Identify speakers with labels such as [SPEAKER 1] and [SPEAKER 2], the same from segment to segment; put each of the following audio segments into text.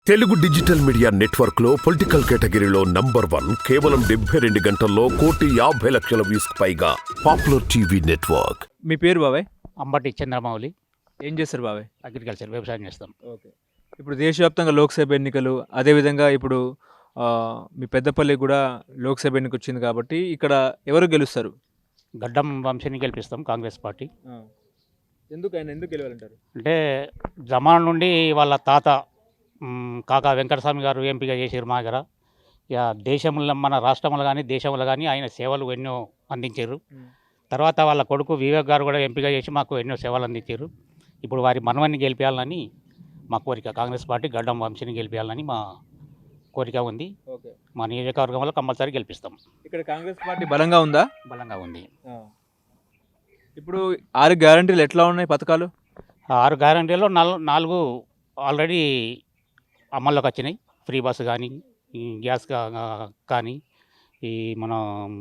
[SPEAKER 1] Telugu digital media network లో political కేటగిరీలో number 1 కేవలం 72 గంటల్లో 1,50,00,000 వ్యూస్ పైగా పాపులర్ టీవీ నెట్వర్క్.
[SPEAKER 2] మీ పేరు బాబాయ్?
[SPEAKER 3] అంబటి చంద్రమౌళి.
[SPEAKER 2] ఏం చేస్తారు బాబాయ్?
[SPEAKER 3] అగ్రికల్చర్ వ్యవసాయం చేస్తాం.
[SPEAKER 2] ఓకే. ఇప్పుడు దేశవ్యాప్తంగా లోక్సభ ఎన్నికలు, అదేవిధంగా ఇప్పుడు మీ పెద్దపల్లి కూడా లోక్సభ ఎన్నిక వచ్చింది కాబట్టి ఇక్కడ ఎవరు గెలుస్తారు?
[SPEAKER 3] గడ్డం వంశీని గెలిపిస్తాం, కాంగ్రెస్ పార్టీ.
[SPEAKER 2] ఎందుకు గెలవాలంటారు?
[SPEAKER 3] అంటే జమాన్ నుండి వాళ్ళ తాత కాకా వెంకటస్వామి గారు ఎంపీగా చేసారు మా దగ్గర. ఇక దేశంలో, మన రాష్ట్రంలో కానీ దేశంలో కానీ ఆయన సేవలు ఎన్నో అందించారు. తర్వాత వాళ్ళ కొడుకు వివేక్ గారు కూడా ఎంపీగా చేసి మాకు ఎన్నో సేవలు అందించారు. ఇప్పుడు వారి మనవన్ని గెలిపించాలని మా కోరిక. కాంగ్రెస్ పార్టీ గడ్డం వంశీని గెలిపించాలని మా కోరిక ఉంది.
[SPEAKER 2] ఓకే.
[SPEAKER 3] మా నియోజకవర్గంలో కంపల్సరీ గెలిపిస్తాం.
[SPEAKER 2] ఇక్కడ కాంగ్రెస్ పార్టీ బలంగా ఉందా?
[SPEAKER 3] బలంగా ఉంది.
[SPEAKER 2] ఇప్పుడు 6 గ్యారంటీలు ఎట్లా ఉన్నాయి పథకాలు?
[SPEAKER 3] 6 గ్యారంటీలో 4 ఆల్రెడీ అమల్లోకి వచ్చినాయి. ఫ్రీ బస్సు కానీ, ఈ గ్యాస్ కానీ, ఈ మన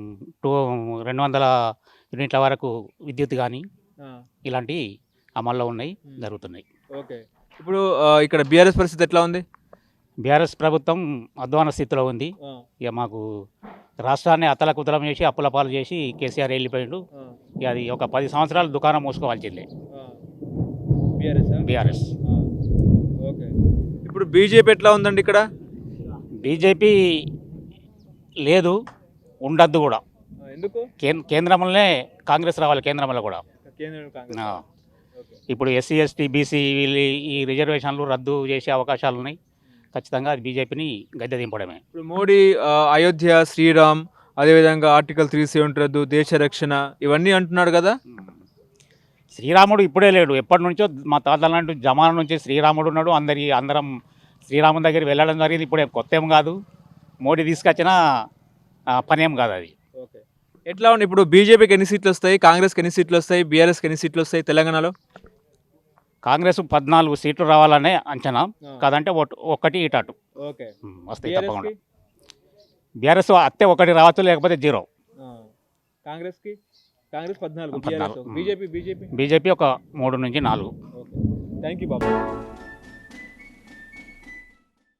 [SPEAKER 3] 200 యూనిట్ల వరకు విద్యుత్ కానీ, ఇలాంటివి అమల్లో ఉన్నాయి, జరుగుతున్నాయి.
[SPEAKER 2] ఓకే. ఇప్పుడు ఇక్కడ బీఆర్ఎస్ పరిస్థితి ఎట్లా ఉంది?
[SPEAKER 3] బీఆర్ఎస్ ప్రభుత్వం అధ్వాన స్థితిలో ఉంది. ఇక మాకు రాష్ట్రాన్ని అతలకుతలం చేసి అప్పుల పాలు చేసి కేసీఆర్ వెళ్ళిపోయిండు. ఇక అది ఒక 10 సంవత్సరాలు దుకాణం మూసుకోవాల్సిందే బీఆర్ఎస్.
[SPEAKER 2] ఓకే. ఇప్పుడు బీజేపీ ఎట్లా ఉందండి ఇక్కడ?
[SPEAKER 3] బీజేపీ లేదు, ఉండద్దు కూడా.
[SPEAKER 2] ఎందుకు?
[SPEAKER 3] కేంద్రంలోనే కాంగ్రెస్ రావాలి, కేంద్రంలో కూడా. ఇప్పుడు ఎస్సీ ఎస్టీ బీసీ ఈ రిజర్వేషన్లు రద్దు చేసే అవకాశాలు ఉన్నాయి. ఖచ్చితంగా అది బీజేపీని గద్దె దింపడమే.
[SPEAKER 2] ఇప్పుడు మోడీ అయోధ్య, శ్రీరామ్, అదేవిధంగా ఆర్టికల్ 370 రద్దు, దేశ రక్షణ, ఇవన్నీ అంటున్నాడు కదా.
[SPEAKER 3] శ్రీరాముడు ఇప్పుడే లేడు, ఎప్పటి నుంచో మా తాతల నుండి జమానా నుంచి శ్రీరాముడు ఉన్నాడు. అందరం శ్రీరాముని దగ్గర వెళ్ళడం జరిగింది. ఇప్పుడు కొత్త ఏం కాదు, మోడీ తీసుకొచ్చిన పనేం కాదు అది.
[SPEAKER 2] ఓకే. ఎట్లా ఉంది ఇప్పుడు? బీజేపీకి ఎన్ని సీట్లు వస్తాయి, కాంగ్రెస్కి ఎన్ని సీట్లు వస్తాయి, బీఆర్ఎస్కి ఎన్ని సీట్లు వస్తాయి తెలంగాణలో?
[SPEAKER 3] కాంగ్రెస్ 14 సీట్లు రావాలనే అంచనా, కాదంటే ఒక్కటి ఇటు
[SPEAKER 2] ఓకే
[SPEAKER 3] వస్తాయి తప్పకుండా. బీఆర్ఎస్ అత్తే ఒకటి రావచ్చు, లేకపోతే 0.
[SPEAKER 2] కాంగ్రెస్ 14, బీజేపీ
[SPEAKER 3] బీజేపీ ఒక 3 నుంచి 4.
[SPEAKER 2] Thank you Babu.